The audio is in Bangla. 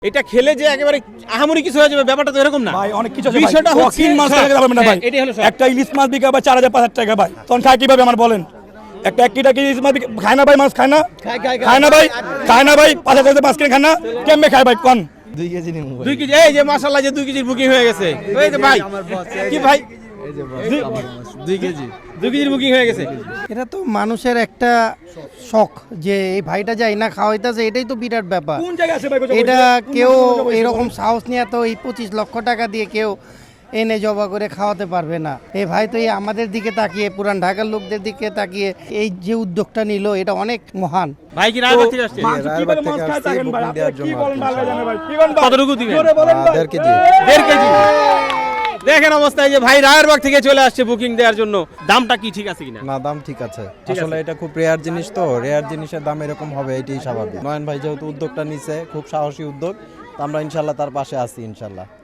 এটা খেলে যে একেবারে আহামরি কিছু হয়ে যাবে ব্যাপারটা তো এরকম না ভাই অনেক কিছু আছে বিষয়টা ভাই হচ্ছে 3 মাস টাকা যাবে না ভাই এটাই হলো সব। একটা ইলিশ মাছ বিকা ভাই 4500 টাকা ভাই তখন খায় কিভাবে আমার বলেন একটা কিটা কি ইলিশ মাছ খায় না ভাই মাছ খায় না খায় না ভাই খায় না ভাই 5000 মাছ কিনে খায় না কেমনে খায় ভাই কোন 2 কেজি নিমু 2 কেজি এই যে মাশাআল্লাহ যে 2 কেজির বুকিং হয়ে গেছে এই যে ভাই কি ভাই এই যে বস 2 কেজি 2 কেজির বুকিং হয়ে গেছে এটা তো মানুষের একটা শখ যে এই ভাইটা যাই না খাওয়াইতেছে এটাই তো বিরাট ব্যাপার। কোন জায়গা আছে ভাই এটা কেউ এরকম সাহস নিয়ে তো এই 25 লক্ষ টাকা দিয়ে কেউ এনে জবা করে খাওয়াতে পারবে না। এই ভাই তো এই আমাদের দিকে তাকিয়ে পুরান ঢাকার লোকদের দিকে তাকিয়ে এই যে উদ্যোগটা নিল এটা অনেক মহান। ভাই কি রায়বাগ থেকে আসছে কিভাবে মাছ খায় থাকেন ভাই আপনি কি বলেন ভালো জানেন ভাই কি বলেন কতটুকু দিবেন জোরে বলেন ভাই 1.5 কেজি 1.5 কেজি দেখেন অবস্থায় যে ভাই রায়েরবাগ থেকে চলে আসছে বুকিং দেওয়ার জন্য দামটা কি ঠিক আছে কিনা না দাম ঠিক আছে আসলে এটা খুব রেয়ার জিনিস তো রেয়ার জিনিসের দাম এরকম হবে এটাই স্বাভাবিক নয়ন ভাই যেহেতু উদ্যোগটা নিছে খুব সাহসী উদ্যোগ তো আমরা ইনশাআল্লাহ তার পাশে আছি ইনশাআল্লাহ